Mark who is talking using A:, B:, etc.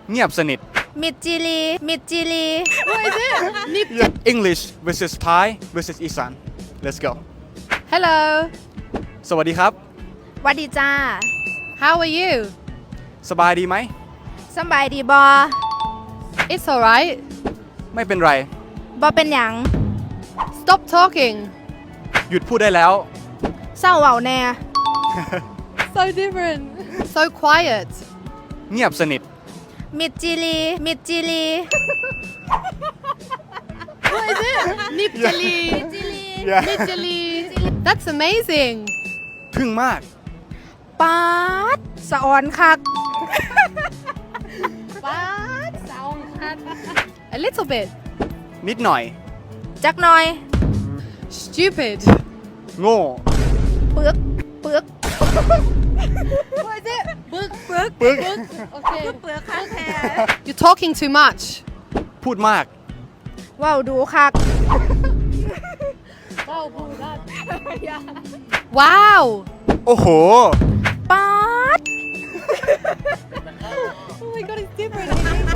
A: เงียบสนิท
B: มิดจิลีมิดจิลี
C: What is it? Nip.
A: English versus Thai versus อีสาน let's go
C: Hello.
A: สวัสดีครับ
B: หวัดดีจ้า
C: How are you?
A: สบายดีไหม
B: สำบายดีบอ
C: It's alright.
A: ไม่เป็นไร
B: บอเป็นหยัง
C: Stop talking.
A: หยุดพูดได้แล้ว
B: เศร้าเว้าแน่
C: So different. So quiet.
A: เงียบสนิท
B: มิดจิลีมิดจิลี
C: What is it? Nipjali.
A: Yeah.
C: Nipjali. That's amazing.
A: ทึ่งมาก
B: ป๊าดสะออนคัก
C: What? Sound A little bit.
A: นิดหน่อย
B: จักหน่อย
C: Stupid.
A: โง่
B: ปึกปึก
C: What is it? Book. Book.
A: ปึ๊ก
C: Okay.
B: เปลือกคักแท้
C: You're talking too much.
A: พูดมาก
B: เว้าดูคัก
C: Wow.
A: โอ้โห
B: ป๊าด
C: Oh my god, it's different.